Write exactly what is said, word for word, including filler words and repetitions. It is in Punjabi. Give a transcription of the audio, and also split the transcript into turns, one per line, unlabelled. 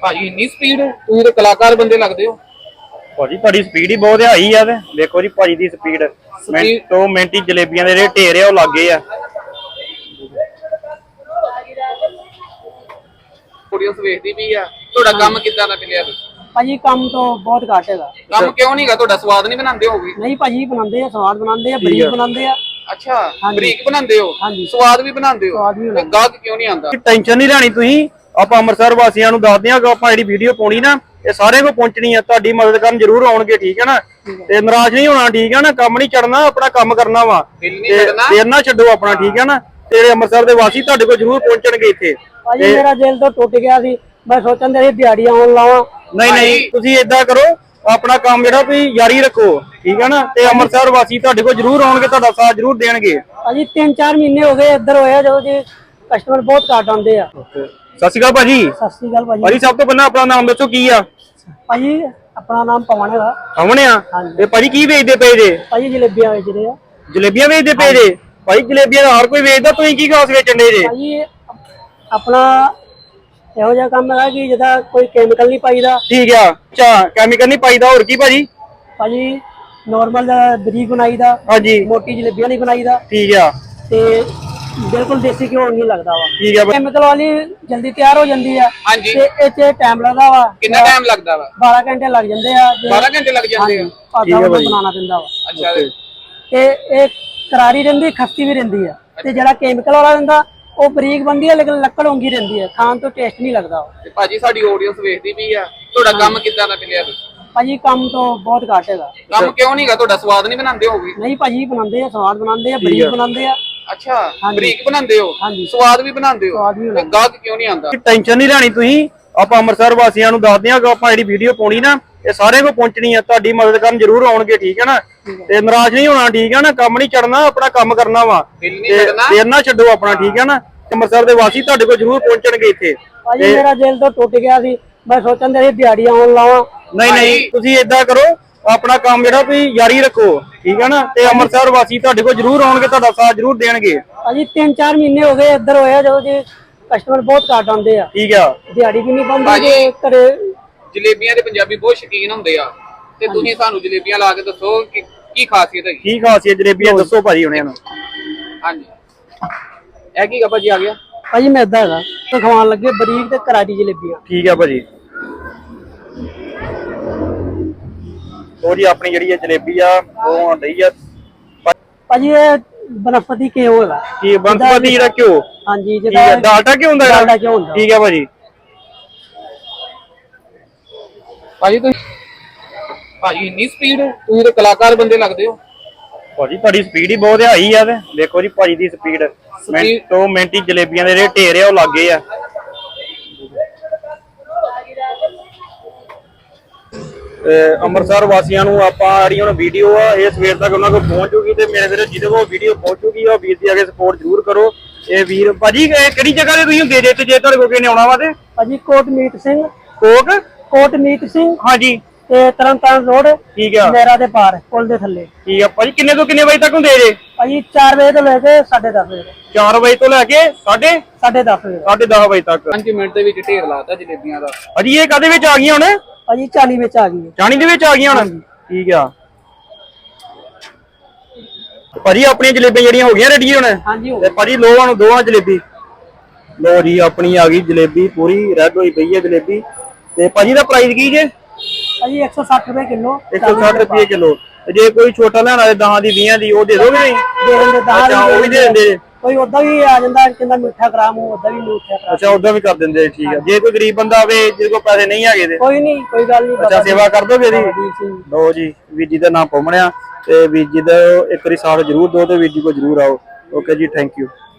ਭਾਜੀ ਇੰਨੀ ਸਪੀਡ ਤੁਸੀਂ ਤਾਂ ਕਲਾਕਾਰ ਬੰਦੇ ਲੱਗਦੇ ਹੋ।
ਭਾਜੀ ਤੁਹਾਡੀ ਸਪੀਡ ਹੀ ਬਹੁਤ ਹਾਈ ਆ ਤੇ ਦੇਖੋ ਜੀ ਭਾਜੀ ਦੀ ਸਪੀਡ ਮਿੰਟ ਤੋਂ ਮਿੰਟ ਹੀ ਜਲੇਬੀਆਂ ਦੇ ਜਿਹੜੇ ਢੇਰ ਆ ਉਹ ਲੱਗੇ ਆ।
ਆਡੀਅנס ਵੇਖਦੀ ਵੀ ਆ। ਤੁਹਾਡਾ ਕੰਮ ਕਿੱਦਾਂ ਦਾ ਮਿਲਿਆ ਤੁਸੀਂ?
ਭਾਜੀ ਕੰਮ ਤੋਂ ਬਹੁਤ ਘੱਟ ਹੈਗਾ।
ਕੰਮ ਕਿਉਂ ਨਹੀਂਗਾ? ਤੁਹਾਡਾ ਸਵਾਦ ਨਹੀਂ ਬਣਾਉਂਦੇ ਹੋਗੇ?
ਨਹੀਂ ਭਾਜੀ ਬਣਾਉਂਦੇ ਆ, ਸਵਾਦ ਬਣਾਉਂਦੇ ਆ, ਬਰੀਕ ਬਣਾਉਂਦੇ ਆ।
ਅੱਛਾ ਬਰੀਕ ਬਣਾਉਂਦੇ ਹੋ, ਸਵਾਦ ਵੀ ਬਣਾਉਂਦੇ ਹੋ, ਤੇ ਗਾਹਕ ਕਿਉਂ ਨਹੀਂ ਆਉਂਦਾ?
ਟੈਨਸ਼ਨ ਨਹੀਂ ਲੈਣੀ ਤੁਸੀਂ। ਆਪਾਂ ਅੰਮ੍ਰਿਤਸਰ ਵਾਸੀਆਂ ਨੂੰ ਦੱਸਦੇ ਆ ਕਿ ਆਪਾਂ ਜਿਹੜੀ ਵੀਡੀਓ ਪਾਉਣੀ ਨਾ ਇਹ ਸਾਰਿਆਂ ਕੋਲ ਪਹੁੰਚਣੀ ਆ। ਤੁਹਾਡੀ ਮਦਦ ਕਰਨ ਜ਼ਰੂਰ ਆਉਣਗੇ, ਠੀਕ ਹੈ ਨਾ? ਤੇ ਨਾਰਾਜ਼ ਨਹੀਂ ਹੋਣਾ, ਠੀਕ ਹੈ ਨਾ? ਕੰਮ ਨਹੀਂ ਛੱਡਣਾ, ਆਪਣਾ ਕੰਮ ਕਰਨਾ ਵਾ, ਦੇਰ ਨਾ ਛੱਡੋ ਆਪਣਾ, ਠੀਕ ਹੈ ਨਾ? ਤੇ ਜਿਹੜੇ ਅੰਮ੍ਰਿਤਸਰ ਦੇ ਵਾਸੀ ਤੁਹਾਡੇ ਕੋਲ ਜ਼ਰੂਰ ਪਹੁੰਚਣਗੇ ਇੱਥੇ।
ਭਾਜੀ ਮੇਰਾ ਦਿਲ ਤੋਂ ਟੁੱਟ ਗਿਆ ਸੀ, ਮੈਂ ਸੋਚਣ ਦੇ ਦਿਹਾੜੀਆਂ ਆਉਣ ਲਾਵਾਂ।
ਨਹੀਂ ਨਹੀਂ ਤੁਸੀਂ ਏਦਾਂ ਕਰੋ, ਆਪਣਾ ਕੰਮ ਜਿਹੜਾ ਤੁਸੀਂ ਜਾਰੀ ਰੱਖੋ, ਠੀਕ ਹੈ ਨਾ? ਤੇ ਅੰਮ੍ਰਿਤਸਰ ਵਾਸੀ ਤੁਹਾਡੇ ਕੋਲ ਜ਼ਰੂਰ ਆਉਣਗੇ, ਤੁਹਾਡਾ ਸਾਥ ਜ਼ਰੂਰ ਦੇਣਗੇ।
ਭਾਜੀ ਤਿੰਨ ਚਾਰ ਮਹੀਨੇ ਹੋ ਗਏ ਇੱਧਰ ਹੋਇਆ ਜਦੋਂ ਜੀ ਕਸਟਮਰ ਬਹੁਤ ਘੱਟ ਆਉਂਦੇ ਆ।
ਸਤਿ ਸ਼੍ਰੀ ਅਕਾਲ ਭਾਜੀ।
ਸਤਿ ਸ਼੍ਰੀ ਅਕਾਲ ਭਾਜੀ।
ਭਾਜੀ ਸਭ ਤੋਂ ਪਹਿਲਾਂ ਆਪਣਾ ਨਾਮ ਦੱਸੋ, ਕੀ ਆ?
ਭਾਜੀ ਆਪਣਾ ਨਾਮ ਪਵਨ ਹੈਗਾ।
ਪਵਨ ਆ? ਤੇ ਭਾਜੀ ਕੀ ਵੇਚਦੇ ਪਏ ਜੇ?
ਭਾਜੀ ਜਲੇਬੀਆਂ ਵੇਚਦੇ ਆ।
ਜਲੇਬੀਆਂ ਵੇਚਦੇ ਪਏ ਜੇ? ਭਾਈ ਜਲੇਬੀਆਂ ਦਾ ਹਰ ਕੋਈ ਵੇਚਦਾ, ਤੁਸੀਂ ਕੀ ਖਾਸ ਵੇਚਣ ਦੇ ਜੇ?
ਭਾਜੀ ਆਪਣਾ ਇਹੋ ਜਿਹਾ ਕੰਮ ਹੈਗਾ ਕਿ ਜਿਹਦਾ ਕੋਈ ਕੈਮੀਕਲ ਨਹੀਂ ਪਾਈਦਾ।
ਠੀਕ ਆ। ਅੱਛਾ ਕੈਮੀਕਲ ਨਹੀਂ ਪਾਈਦਾ, ਹੋਰ ਕੀ ਭਾਜੀ?
ਭਾਜੀ ਨੋਰਮਲ ਬਰੀਕ ਬਣਾਈਦਾ।
ਹਾਂਜੀ।
ਮੋਟੀ ਜਲੇਬੀਆਂ ਨਹੀਂ ਬਣਾਈਦਾ।
ਠੀਕ ਆ।
ਤੇ ਬਿਲਕੁਲ ਦੇਸੀ ਘਿਓ ਨਹੀਂ ਲੱਗਦਾ ਵਾ।
ਠੀਕ ਆ।
ਕੈਮੀਕਲ ਵਾਲੀ ਜਲਦੀ ਤਿਆਰ ਹੋ ਜਾਂਦੀ ਆ।
ਹਾਂਜੀ।
ਤੇ ਇਹ ਚ ਟਾਈਮ ਲੱਗਦਾ ਵਾ।
ਕਿੰਨਾ ਟਾਈਮ ਲੱਗਦਾ ਵਾ?
ਬਾਰਾਂ ਘੰਟੇ ਲੱਗ ਜਾਂਦੇ ਆ।
ਬਾਰਾਂ ਘੰਟੇ ਲੱਗ ਜਾਂਦੇ ਆ?
ਠੀਕ ਹੈ ਭਾਈ। ਬਣਾਉਣਾ ਪੈਂਦਾ ਵਾ।
ਅੱਛਾ।
ਤੇ ਇਹ ਕਰਾਰੀ ਰਹਿੰਦੀ, ਖਸਤੀ ਵੀ ਰਹਿੰਦੀ ਆ। ਤੇ ਜਿਹੜਾ ਕੈਮੀਕਲ ਵਾਲਾ ਰਹਿੰਦਾ ਉਹ ਬਰੀਕ ਬਣਦੀ ਆ, ਲੇਕਿਨ ਲੱਕੜ ਉਂਗੀ ਰਹਿੰਦੀ ਆ, ਖਾਣ ਤੋਂ ਟੇਸਟ ਨਹੀਂ ਲੱਗਦਾ।
ਤੇ ਭਾਜੀ ਸਾਡੀ ਆਡੀਅנס ਵੇਖਦੀ ਵੀ ਆ। ਤੁਹਾਡਾ ਕੰਮ ਕਿੱਦਾਂ ਦਾ ਮਿਲਿਆ ਤੁਸੀਂ?
ਭਾਜੀ ਕੰਮ ਤੋਂ ਬਹੁਤ ਘੱਟ ਹੈਗਾ।
ਕੰਮ ਕਿਉਂ ਨਹੀਂਗਾ? ਤੁਹਾਡਾ ਸਵਾਦ ਨਹੀਂ ਬਣਾਉਂਦੇ ਹੋਗੇ?
ਨਹੀਂ ਭਾਜੀ ਬਣਾਉਂਦੇ ਆ, ਸਵਾਦ ਬਣਾਉਂਦੇ ਆ, ਬਰੀਕ ਬਣਾਉਂਦੇ ਆ।
ਅੱਛਾ ਬਰੀਕ ਬਣਾਉਂਦੇ ਹੋ, ਸਵਾਦ ਵੀ ਬਣਾਉਂਦੇ ਹੋ, ਤੇ ਗਾਹਕ ਕਿਉਂ ਨਹੀਂ ਆਉਂਦਾ?
ਟੈਨਸ਼ਨ ਨਹੀਂ ਲੈਣੀ ਤੁਸੀਂ। ਆਪਾਂ ਅੰਮ੍ਰਿਤਸਰ ਵਾਸੀਆਂ ਨੂੰ ਦੱਸਦੇ ਆ ਕਿ ਆਪਾਂ ਜਿਹੜੀ ਵੀਡੀਓ ਪਾਉਣੀ ਨਾ ਇਹ ਸਾਰਿਆਂ ਕੋਲ ਪਹੁੰਚਣੀ ਆ। ਤੁਹਾਡੀ ਮਦਦ ਕਰਨ ਜ਼ਰੂਰ ਆਉਣਗੇ, ਠੀਕ ਹੈ ਨਾ? ਤੇ ਨਾਰਾਜ਼ ਨਹੀਂ ਹੋਣਾ, ਠੀਕ ਹੈ ਨਾ? ਕੰਮ ਨਹੀਂ ਛੱਡਣਾ, ਆਪਣਾ ਕੰਮ ਕਰਨਾ ਵਾ, ਦੇਰ ਨਾ ਛੱਡੋ ਆਪਣਾ, ਠੀਕ ਹੈ ਨਾ? ਅੰਮ੍ਰਿਤਸਰ ਦੇ ਵਾਸੀ ਤੁਹਾਡੇ ਕੋਲ ਜ਼ਰੂਰ ਪਹੁੰਚਣਗੇ ਇੱਥੇ।
ਭਾਜੀ ਮੇਰਾ ਦਿਲ ਤੋਂ ਟੁੱਟ ਗਿਆ ਸੀ, ਮੈਂ ਸੋਚਣ ਦੇ ਦਿਹਾੜੀਆਂ ਆਉਣ ਲਾਵਾਂ।
ਨਹੀਂ ਨਹੀਂ ਤੁਸੀਂ ਏਦਾਂ ਕਰੋ, ਆਪਣਾ ਕੰਮ ਜਿਹੜਾ ਤੁਸੀਂ ਜਾਰੀ ਰੱਖੋ, ਠੀਕ ਹੈ ਨਾ? ਤੇ ਅੰਮ੍ਰਿਤਸਰ ਵਾਸੀ ਤੁਹਾਡੇ ਕੋਲ ਜ਼ਰੂਰ ਆਉਣਗੇ, ਤੁਹਾਡਾ ਸਾਥ ਜ਼ਰੂਰ ਦੇਣਗੇ।
ਭਾਜੀ ਤਿੰਨ ਚਾਰ ਮਹੀਨੇ ਹੋ ਗਏ ਇੱਧਰ ਹੋਇਆ ਜਦੋਂ ਜੀ ਕਸਟਮਰ ਬਹੁਤ ਘੱਟ ਆਉਂਦੇ ਆ।
ਠੀਕ ਆ।
ਦਿਹਾੜੀ ਵੀ ਨਹੀਂ ਬਣਦੀ ਜੇ ਘਰੇ।
ਜਲੇਬੀਆਂ ਦੇ ਪੰਜਾਬੀ ਬਹੁਤ ਸ਼ੌਕੀਨ ਹੁੰਦੇ ਆ, ਤੇ ਤੁਸੀਂ ਸਾਨੂੰ ਜਲੇਬੀਆਂ ਲਾ ਕੇ ਦੱਸੋ ਕਿ ਕੀ ਖਾਸੀਅਤ ਹੈਗੀ?
ਕੀ ਖਾਸੀਅਤ ਜਲੇਬੀਆਂ ਦੱਸੋ ਭਾਜੀ ਹੁਣਿਆਂ ਨੂੰ।
ਹਾਂਜੀ ਇਹ ਕੀ ਭਾਜੀ ਆ ਗਿਆ?
ਭਾਜੀ ਮੈਦਾ ਹੈਗਾ ਤੇ ਖਵਾਉਣ ਲੱਗੇ ਬਰੀਕ ਤੇ ਕਰਾਰੀ ਜਲੇਬੀਆਂ।
ਠੀਕ ਆ ਭਾਜੀ। ਉਹ ਜੀ ਆਪਣੀ ਜਿਹੜੀ ਜਲੇਬੀ ਆ ਉਹ ਆਂਦੀ ਆ
ਭਾਜੀ। ਇਹ ਬਨਸਪਤੀ ਘਿਓ ਹੈਗਾ।
ਕੀ ਬਨਸਪਤੀ ਜਿਹੜਾ ਘਿਓ?
ਹਾਂਜੀ
ਜਿਹੜਾ ਡਾਲਡਾ ਘਿਓ ਹੁੰਦਾ।
ਡਾਲਡਾ ਘਿਓ ਹੁੰਦਾ।
ਠੀਕ ਆ ਭਾਜੀ।
ਭਾਜੀ ਤੁਸੀਂ ਭਾਜੀ ਇੰਨੀ ਸਪੀਡ ਤੁਸੀਂ ਤਾਂ ਕਲਾਕਾਰ ਬੰਦੇ ਲੱਗਦੇ ਹੋ।
ਭਾਜੀ ਤੁਹਾਡੀ ਸਪੀਡ ਹੀ ਬਹੁਤ ਹਾਈ ਆ ਤੇ ਦੇਖੋ ਜੀ ਭਾਜੀ ਦੀ ਸਪੀਡ ਮਿੰਟ ਤੋਂ ਮਿੰਟ ਹੀ ਜਲੇਬੀਆਂ ਦੇ ਜਿਹੜੇ ਢੇਰ ਆ ਉਹ ਲੱਗੇ ਆ। ਅੰਮ੍ਰਿਤਸਰ ਵਾਸੀਆਂ ਨੂੰ ਆਪਾਂ ਜਿਹੜੀ ਹੁਣ ਵੀਡੀਓ ਆ ਇਹ ਸਵੇਰ ਤੱਕ ਉਹਨਾਂ ਕੋਲ ਪਹੁੰਚ ਜੂਗੀ, ਤੇ ਮੇਰੇ ਵੀਰੇ ਜਿਹਦੇ ਕੋਲ ਵੀਡੀਓ ਪਹੁੰਚੂਗੀ ਉਹ ਵੀਰ ਦੀ ਅੱਗੇ ਸਪੋਰਟ ਜ਼ਰੂਰ ਕਰੋ। ਇਹ ਵੀਰ ਭਾਜੀ ਕਿਹੜੀ ਜਗ੍ਹਾ ਤੇ ਤੁਸੀਂ ਹੁੰਦੇ ਜੇ ਤੇ ਜੇ ਤੁਹਾਡੇ ਕੋਲ ਕਿਨੇ ਆਉਣਾ ਵਾ? ਤੇ
ਭਾਜੀ ਕੋਟਮੀਤ ਸਿੰਘ।
ਕੋਟ
ਕੋਟਮੀਤ ਸਿੰਘ।
ਹਾਂਜੀ।
ਤੇ ਤਰਨਤਾਰਨ ਰੋਡ।
ਠੀਕ ਆ।
ਮੇਰਾ ਦੇ ਪਾਰ ਪੁਲ ਦੇ ਥੱਲੇ।
ਠੀਕ ਆ ਭਾਜੀ। ਕਿੰਨੇ ਤੋਂ ਕਿੰਨੇ ਵਜੇ ਤੱਕ ਹੁੰਦੇ ਜੇ?
ਭਾਜੀ ਚਾਰ ਵਜੇ ਤੋਂ ਲੈ ਕੇ ਸਾਢੇ ਦਸ ਵਜੇ।
ਚਾਰ ਵਜੇ ਤੋਂ ਲੈ ਕੇ ਸਾਢੇ
ਸਾਢੇ ਦਸ ਵਜੇ
ਸਾਢੇ ਦਸ ਵਜੇ ਤੱਕ।
ਪੰਜ ਮਿੰਟ ਦੇ ਵਿੱਚ ਢੇਰ ਲਾਤਾ ਜਲੇਬੀਆਂ ਦਾ।
ਭਾਜੀ ਇਹ ਕਾਹਦੇ ਵਿੱਚ ਆ ਗਈਆਂ ਹੁਣ?
ਭਾਜੀ ਚਾਲੀ ਵਿੱਚ ਆ ਗਈ।
ਚਾਣੀ ਦੇ ਵਿੱਚ ਆ ਗਈਆਂ ਹੁਣ? ਠੀਕ ਆ ਭਾਜੀ। ਆਪਣੀਆਂ ਜਲੇਬੀਆਂ ਜਿਹੜੀਆਂ ਹੋ ਗਈਆਂ ਰੈਡੀ ਹੁਣ?
ਹਾਂਜੀ।
ਤੇ ਭਾਜੀ ਲੋਹਾਂ ਨੂੰ ਦੋਵਾਂ ਜਲੇਬੀ ਲੋ ਜੀ। ਆਪਣੀ ਆ ਗਈ ਜਲੇਬੀ, ਪੂਰੀ ਰੈਡ ਹੋਈ ਪਈ ਹੈ ਜਲੇਬੀ। ਤੇ ਭਾਜੀ ਦਾ ਪ੍ਰਾਈਸ ਕੀ ਜੇ?
ਭਾਜੀ ਇੱਕ ਸੌ ਸੱਠ ਰੁਪਏ ਕਿਲੋ।
ਇੱਕ ਸੌ ਸੱਠ ਰੁਪਏ ਕਿਲੋ। ਤੇ ਜੇ ਕੋਈ ਛੋਟਾ ਲੈਣਾ ਹੋਵੇ ਦਹਾਂ ਦੀ ਵੀਹਾਂ ਦੀ ਉਹ ਦੇ ਦੋਗੇ? ਨਹੀਂ
ਦੇ ਦਿੰਦੇ। ਦਹਾਂ
ਉਹ ਵੀ ਦੇ ਦਿੰਦੇ।
ਕੋਈ ਉਦਾਂ ਵੀ ਆ ਜਾਂਦਾ ਕਹਿੰਦਾ ਮਿੱਠਾ ਕਰਾਮ, ਉਹ ਉਦਾਂ ਵੀ ਮਿੱਠਾ ਕਰਾਮ।
ਅੱਛਾ ਉਦਾਂ ਵੀ ਕਰ ਦਿੰਦੇ। ਠੀਕ ਆ। ਜੇ ਕੋਈ ਗਰੀਬ ਬੰਦਾ ਹੋਵੇ ਜਿਹਦੇ ਕੋਲ ਪੈਸੇ ਨਹੀਂ ਹੈਗੇ ਤੇ
ਕੋਈ ਨਹੀਂ, ਕੋਈ ਗੱਲ ਨਹੀਂ।
ਅੱਛਾ ਸੇਵਾ ਕਰ ਦੋਗੇ ਜੀ? ਲੋ ਜੀ ਵੀਰ ਜੀ ਦਾ ਨਾਮ ਪਵਣਿਆ, ਤੇ ਵੀਰ ਜੀ ਦਾ ਇੱਕ ਵਾਰੀ ਸਾਥ ਜ਼ਰੂਰ ਦਿਓ ਤੇ ਵੀਰ ਜੀ ਕੋਲ ਜ਼ਰੂਰ ਆਓ। ਓਕੇ ਜੀ, ਥੈਂਕ ਯੂ।